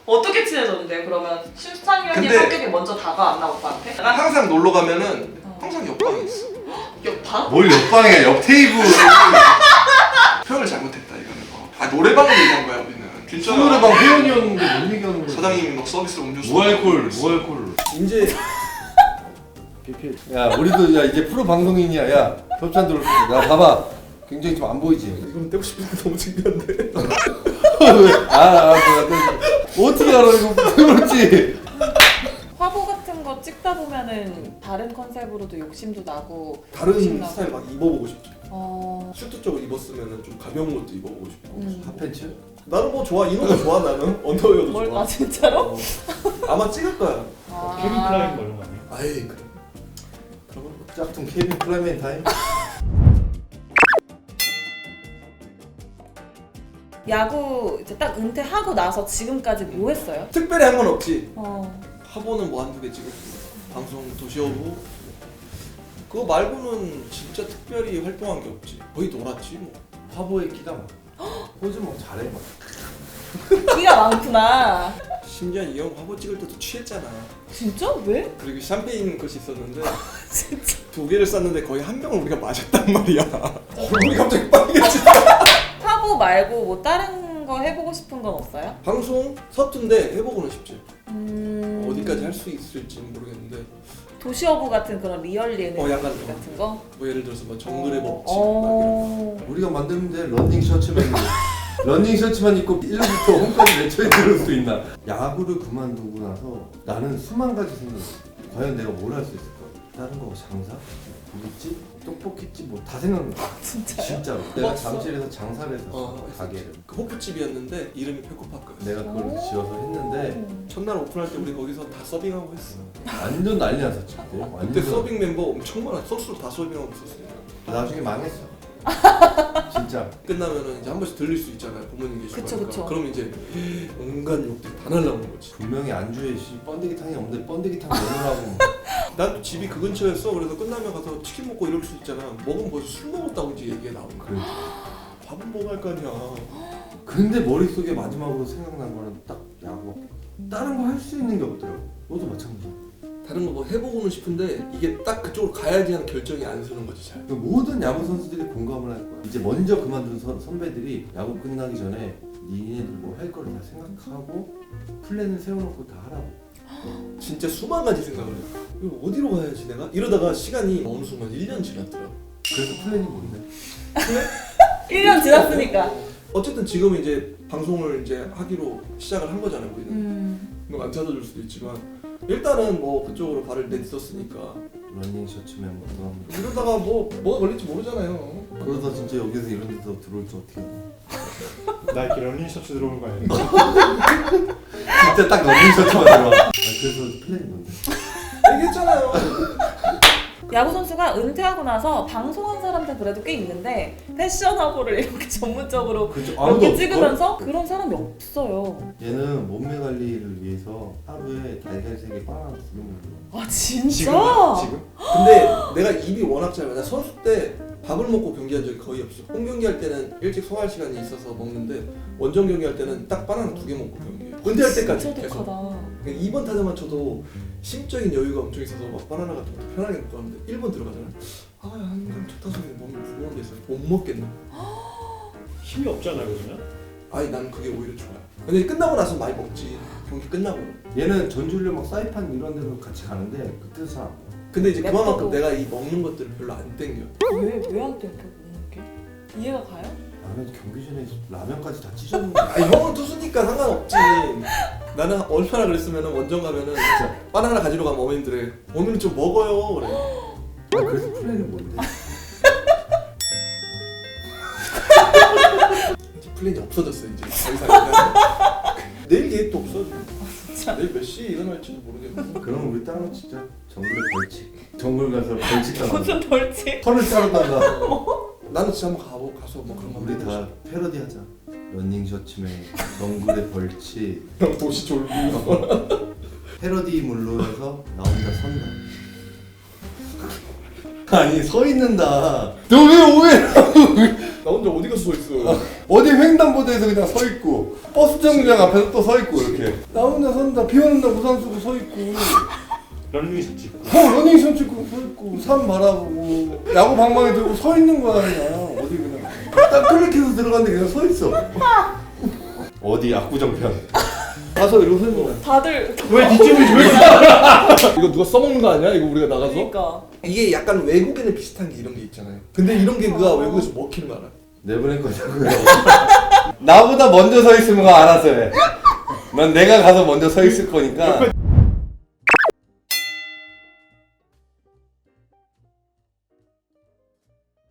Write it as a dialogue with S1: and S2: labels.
S1: 어떻게 친해졌는데 그러면 실상이 형님
S2: 근데-
S1: 성격이 먼저 다가왔나 오빠한테?
S2: 항상 놀러 가면은 항상 옆방에 있어.
S1: 옆방?
S3: 뭘 옆방에 옆 테이블.
S2: 표현을 잘못했다 이거는. 아 노래방을 얘기한 거야 우리는. 진짜
S3: 노래방 회원이었는데 뭔 얘기하는 거야?
S2: 사장님이 막 서비스로 음료수.
S3: 무알콜.
S4: 이제
S3: 야 우리도 야 이제 프로 방송인이야. 야 협찬 들어올 때. 야 봐봐. 굉장히 좀 안 보이지.
S4: 이건 떼고 싶은데 너무 창피한데.
S3: 어떻게 알아 이거 그렇지.
S1: 화보 같은 거 찍다 보면은 다른 컨셉으로도 욕심도 나고
S4: 다른
S1: 욕심나고.
S4: 스타일 막 입어보고 싶죠.
S1: 어...
S4: 슈트 쪽을 입었으면 좀 가벼운 것도 입어보고 싶고.
S3: 핫팬츠?
S4: 나는 뭐 좋아, 이런 거 좋아 나는. 언더웨어도
S1: 뭘까
S4: 좋아.
S1: 진짜로?
S4: 어. 아마 찍을 거야.
S1: 아...
S5: 케빈 클라인 뭐 이런 거 아니에요?
S4: 아이 그래. 그러면
S3: 짝퉁 케빈 클레멘타인?
S1: 야구 이제 딱 은퇴하고 나서 지금까지 뭐 했어요?
S4: 특별히 한 건 없지.
S1: 어...
S4: 화보는 뭐 한두 개 찍었고, 방송 도시어부. 그거 말고는 진짜 특별히 활동한 게 없지. 거의 놀았지 뭐.
S3: 화보에 끼가 많아. 포즈 뭐 잘해 막.
S1: 끼가 많구나.
S4: 심지어 이 형 화보 찍을 때도 취했잖아.
S1: 진짜? 왜?
S4: 그리고 샴페인 것이 있었는데
S1: 진짜?
S4: 2개를 쌌는데 거의 한 병을 우리가 마셨단 말이야. 얼굴이 갑자기 빨개지.
S1: 화보 말고 뭐 다른 거 해보고 싶은 건 없어요?
S4: 방송 서툰데 해보고는 싶지.
S1: 음...
S4: 어디까지 할 수 있을지는 모르겠는데
S1: 도시어부 같은 그런 리얼 예능
S4: 약간
S1: 같은 거?
S4: 뭐 예를 들어서 뭐 정글의 법칙 막 이런
S1: 어...
S3: 우리가 만들면 돼. 러닝 셔츠만 입고. 러닝 셔츠만 입고 1부터 홈까지 외쳐야 들을 수 있나? 야구를 그만두고 나서 나는 수만 가지 생각했어. 과연 내가 뭘 할 수 있을까? 다른 거 장사? 고깃집? 떡볶이집? 뭐 다 생각나.
S1: 진짜요?
S3: 진짜로. 내가
S1: 멋있어.
S3: 잠실에서 장사를 했었어. 가게를.
S4: 그 호프집이었는데 이름이 페코파크였어.
S3: 내가 그걸 지어서 했는데
S4: 첫날 오픈할 때 우리 거기서 다 서빙하고 했어.
S3: 완전 난리 났었지 그때.
S4: 그때
S3: 완전.
S4: 서빙 멤버 엄청 많아. 소스로 다 서빙하고 있었으니까.
S3: 나중에 망했어. 진짜.
S4: 끝나면은 이제 한 번씩 들릴 수 있잖아요. 부모님 계시고
S1: 그쵸,
S4: 하니까.
S1: 그쵸.
S4: 그럼 이제 온갖 욕들이 다 날라오는 거지.
S3: 분명히 안주에 번데기탕이 없는데 번데기탕 내놓으라고.
S4: 난 또 집이 그 근처였어. 그래서 끝나면 가서 치킨 먹고 이럴 수 있잖아. 먹으면 벌써 술 먹었다고 이제 얘기가 나오는 거야.
S3: 그래.
S4: 밥은 먹어야 할 거 아니야.
S3: 근데 머릿속에 마지막으로 생각난 거는 딱 야구. 다른 거 할 수 있는 게 없더라고. 너도 마찬가지야.
S4: 다른 거 뭐 해보고는 싶은데 이게 딱 그쪽으로 가야지 하는 결정이 안 서는 거지 잘.
S3: 그 모든 야구 선수들이 공감을 할 거야. 이제 먼저 그만둔 선배들이 야구 끝나기 전에 니네들 뭐 할 거를 다 생각하고 플랜을 세워놓고 다 하라고.
S4: 진짜 수만 가지 생각을 해. 이거 어디로 가야지 내가? 이러다가 시간이 어느 순간 1년 지났더라.
S3: 그래서 플랜이 뭔데?
S1: 1년 지났으니까.
S4: 어쨌든 지금 이제 방송을 이제 하기로 시작을 한 거잖아요 우리는. 안 찾아줄 수도 있지만 일단은 뭐 그쪽으로 발을 내딛었으니까
S3: 러닝 셔츠면 뭐
S4: 이러다가 뭐가 걸릴지 모르잖아요.
S3: 그러다 진짜 여기서 이런 데서 들어올지 어떻게 해.
S5: 나 이렇게 런닝 셔츠 들어오는 거 아니야?
S3: 진짜 딱 러닝 셔츠만 들어와. 그래서 플랜이 뭔데?
S4: 얘기했잖아요.
S1: 야구 선수가 은퇴하고 나서 방송한 사람들 그래도 꽤 있는데 패션 화보를 이렇게 전문적으로
S3: 그렇죠.
S1: 이렇게 찍으면서 그런 사람이 없어요.
S3: 얘는 몸매 관리를 위해서 하루에 달걀 3개 바나나 2개 먹는
S1: 아 진짜?
S4: 지금? 근데 내가 입이 워낙 짧아. 나 선수 때 밥을 먹고 경기한 적이 거의 없어. 홈 경기할 때는 일찍 소화할 시간이 있어서 먹는데 원정 경기할 때는 딱 바나나 2개 먹고 경기해. 은퇴할 때까지
S1: 진짜
S4: 계속.
S1: 독하다.
S4: 2번 타자만 쳐도 심적인 여유가 엄청 있어서 막 바나나 같은 것도 편하게 먹고 하는데 1번 들어가잖아. 아 한강 첫 타석에 몸이 무거운 데 있어서 못 먹겠네.
S5: 힘이 없잖아요 그러면?
S4: 아니 난 그게 오히려 좋아요. 근데 끝나고 나서 많이 먹지. 경기 끝나고.
S3: 얘는 전주를 막 사이판 이런 데로 같이 가는데 그때도 잘 안 먹어.
S4: 근데 이제
S1: 맵다고.
S4: 그만큼 내가 이 먹는 것들을 별로 안 땡겨.
S1: 왜안 땡겨 먹는 게? 이해가 가요?
S3: 나는 경기 전에 라면까지 다 찢었는데.
S4: 아니 형은 투수니까 상관없지. 나는 얼마나 그랬으면 원정 가면은 진짜 바나나 가지러 가면 어머님들이 오늘은 좀 먹어요 그래.
S3: 그래서 플랜이 뭔데?
S4: 이제 플랜이 없어졌어 이제 더 이상. 내일 계획도 없어. 내일 몇 시에 일어날지도 모르겠고.
S3: 그럼 우리 따로 진짜 정글에 벌칙. 정글 가서 벌칙 당한다.
S1: 무슨 벌칙?
S3: 털을 자르다가.
S4: 나는 진짜 한번 가서 뭐 그런 거
S3: 우리 다 패러디 하자. 러닝 셔츠맨, 정글의 벌칙.
S4: 형 도시 졸부.
S3: 패러디물로 해서 나 혼자 선다. 아니 서 있는다. 너 왜 오해를
S4: 나 혼자 어디 가서 서 있어.
S3: 어디 횡단보도에서 그냥 서 있고 버스 정류장 앞에서 또 서 있고 이렇게 나 혼자 선다. 비 오는 날 우산 쓰고 서 있고
S5: 런닝 셔츠 입고.
S3: 러닝션 찍고 서 있고 산 바라보고 야구 방망이 들고 서 있는 거야 그냥 어디 그냥 딱 클릭해서 들어갔는데 그냥 서 있어. 어디 압구정편 가서 이러고 서 있는 거야.
S1: 다들
S5: 왜 뒷집을 왜
S4: 이거 누가 써먹는 거 아니야? 이거 우리가 나가서?
S1: 그러니까
S4: 이게 약간 외국에는 비슷한 게 이런 게 있잖아요. 근데 이런 게 그가 외국에서 먹히는 거 알아?
S3: 내보낼 거냐고요. 나보다 먼저 서 있으면 알아서 해. 난 내가 가서 먼저 서 있을 거니까